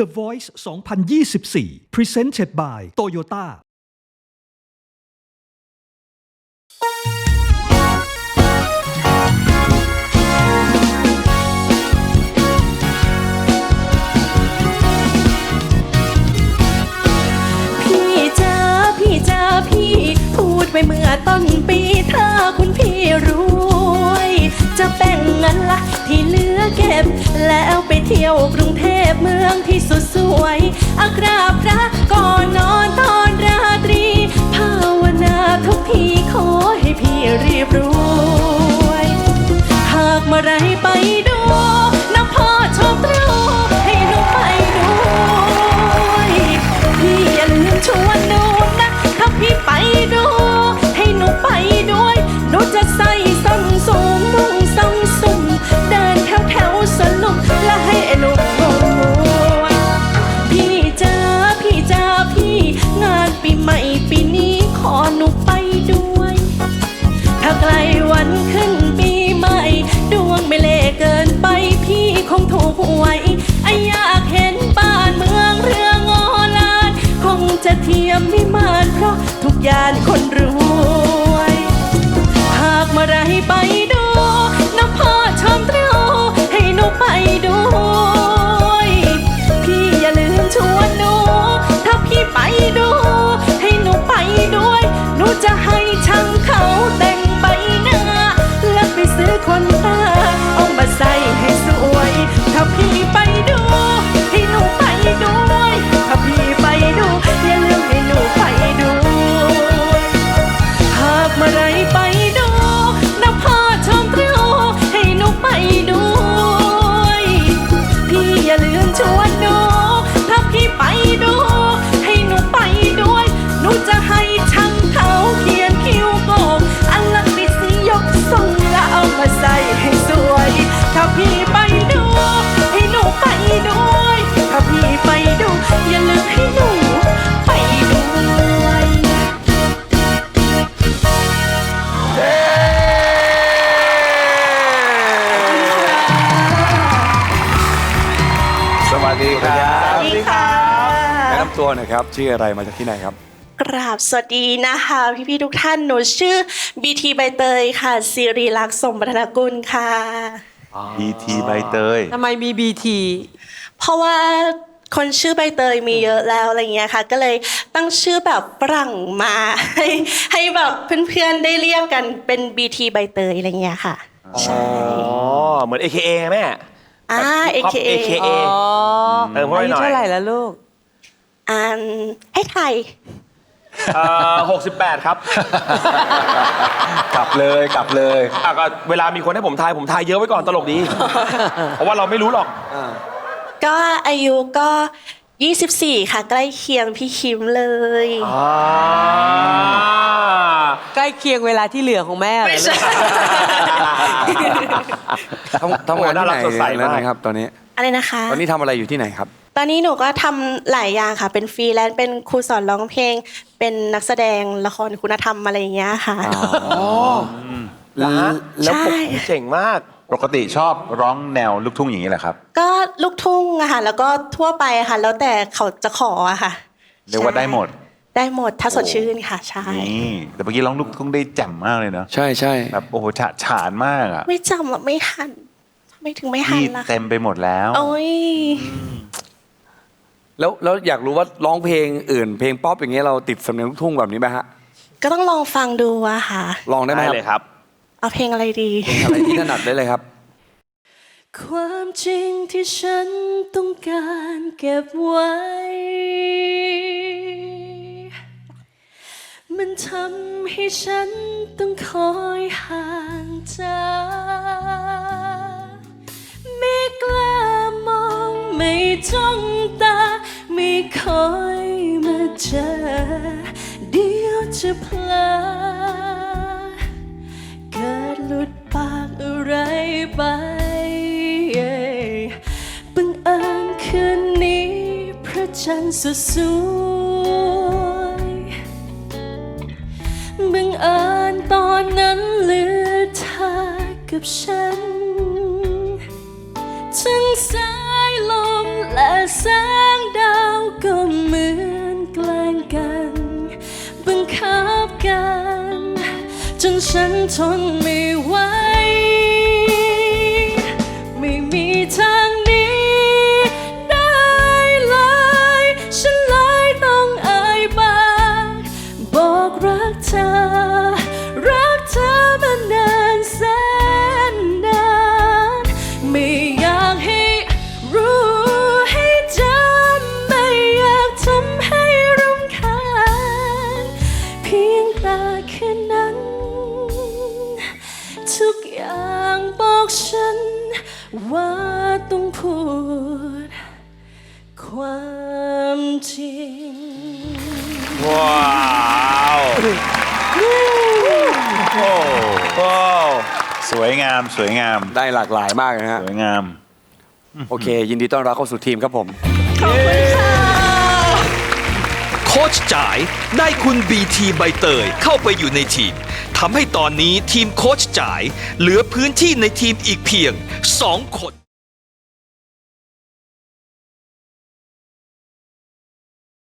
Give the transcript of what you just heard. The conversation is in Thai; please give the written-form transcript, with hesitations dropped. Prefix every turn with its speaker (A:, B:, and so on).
A: The Voice 2024 Presented by Toyota
B: พี่พูดไปเมื่อต้นปีถ้าคุณพี่รวยจะแบ่งเงินละที่เหลือเก็บแล้วไปเที่ยวกรุงเทพเมืองที่สุดสวยกราบพระก่อนนอนตอนราตรีภาวนาทุกทีขอให้พี่รีบรวยหากเมื่อไรไปดูนะพ่อชอบตรูให้หนูไปด้วยพี่อย่าลืมชวนหนูนะถ้าพี่ไปดูให้หนูไปด้วยหนูจะใส่ส้นสูงนุ่งทรงสุ่มเดินแถวสนุกและให้ลูกรวยพี่จ้าพี่งานปีใหม่ปีนี้ขอหนูไปด้วยถ้าใกล้วันขึ้นปีใหม่ดวงไม่เล่เกินไปพี่คงถูกหวยอยากเห็นบ้านเมืองเรืองอลานคงจะเทียมวิมานเพราะทุกอย่างคนรวยหากเมื่อไรไปดูน้ำพ่อชมตรูให้หนูไปด้วยพี่อย่าลืมชวนหนูถ้าพี่ไปดูให้หนูไปด้วยหนูจะให้ช่างเขาแต่งใบหน้าแล้วไปซื้อคนตาเอามาใส่ให้สวยถ้าพี่ไปดูให้หนูไปด้วยถ้าพี่ไปดูอย่าลืมให้หนูไปด้วยหากเมื่อไรไปดูนะพ่อชมตรูให้หนูไปด้วยพี่อย่าลืมชวนหนูถ้าพี่ไปดูให้หนูไปด้วยหนูจะให้ช่างเขาเขียนคิ้วโกงอันละปิดสียกทรงแล้วเอามาใส่ให้สวยถ้าพี่ไปดูให้หนูไปด้วยถ้าพี่ไปดูอย่าลืมให้หนูไปด้วย
C: สวัสดีครับ
B: สวัสดีค่ะ
C: แนะนำตัวหน่อยครับชื่ออะไรมาจากที่ไหนครับ
B: กราบสวัสดีนะคะพี่ๆทุกท่านหนูชื่อบีทีใบเตยค่ะศิริลักษณ์สมบัติกุลค่ะ
C: BT ใบเตย
D: ทำไมมี BT
B: เพราะว่าคนชื่อใบเตยมีเยอะแล้วอะไรเงี้ยค่ะก็เลยตั้งชื่อแบบฝรั่งมาให้แบบเพื่อนๆได้เรียกกันเป็น BT ใบเตยอะไรเงี้ยค่ะใช่
E: อ๋อเหมือน AKA แม่
B: AKA
E: AKA
D: อ๋อ
E: เติมเข้าไป
D: อายุ
E: หน่อย
D: เท่าไหร่แล้วลูก
B: ให้ไทย
E: 68 ครับ
C: กลับเลย
E: ก็เวลามีคนให้ผมทายเยอะไว้ก่อนตลกดี เพราะว่าเราไม่รู้หรอก
B: ก็อายุก็24ค่ะใกล้เคียงพี่คิมเลย
D: ใกล้เคียงเวลาที่เหลือของแม่เหรอ
B: ไม่ใช่
C: ทำงานที่ไหน
E: สดใส
C: แล้ว
E: มาก
C: นะครับตอนนี้
B: อะไรนะคะ
C: ตอนนี้ทำอะไรอยู่ที่ไหนครับ
B: ตอนนี้หนูก็ทำหลายอย่างค่ะเป็นฟรีแลนซ์เป็นครูสอนร้องเพลงเป็นนักแสดงละครคุณธรรมอะไรอย่างเงี้ยค่ะ
C: แล้ว
B: ใช่
E: เจ๋งมาก
F: ปกติชอบร้องแนวลูกทุ่งอย่างนี้แหละครับ
B: ก็ลูกทุ่งอะค่ะแล้วก็ทั่วไปอะค่ะแล้วแต่เขาจะขออะค่ะ
F: เรียกว่าได้หมด
B: ได้หมดถ้าสดชื่นค่ะใช่
F: นี่แต่เมื่อกี้ร้องลูกทุ่งได้แจ่มมากเลยเนาะ
C: ใช่
F: แบบโอ้โหฉานมากอ่ะ
B: ไม่จำหรอกไม่ทันทำไมถึงไม่ทัน
F: พี่
B: ล่ะ
F: เต็มไปหมดแล้ว
B: โอ้ย
C: แล้วอยากรู้ว่าร้องเพลงอื่นเพลงป๊อปอย่างเงี้ยเราติดสำเนียงลูกทุ่งแบบนี้ไหมฮะ
B: ก็ต้องลองฟังดูอะค่ะ
C: ลองได้ไหม
E: ได้
C: ครับ
E: เลยครับ
B: เอาเพลงอะไรดี
C: อะไรที่ถนัดได้เลยครับ
B: ความจริงที่ฉันต้องการเก็บไว้ มันทำให้ฉันต้องคอยห่างจากไม่กล้ามองไม่จ้องตาไม่คอยมาเจอเดี๋ยวจะเพลอเกิดหลุดปากอะไรไปบังเอิญคืนนี้พระจันทร์สดสวยบังเอิญตอนนั้นเหลือเธอกับฉันทั้งสายลมและแสงฉันทนไม่ไหวไม่มีทางหนี้ได้เลยฉันเลยต้องเอ่ยปากบอกรักเธอรักเธอมานานแสนนานไม่อยากให้รู้ให้จำไม่อยากทำให้รำคาญเพียงแต่แค่นั้นทุกอย่างบอกฉันว่าต้องพูดความจริง
E: ว้าวโอ้
F: สวยงามสวยงาม
C: ได้หลากหลายมากนะฮะ
F: สวยงาม
C: โอเค ยินดีต้อนรับเข้าสู่ทีมครับผม
G: โค้ชจ๋ายได้คุณบีทีใบเตยเข้าไปอยู่ในทีมทำให้ตอนนี้ทีมโค้ชจ๋ายเหลือพื้นที่ในทีมอีกเพียง 2 คน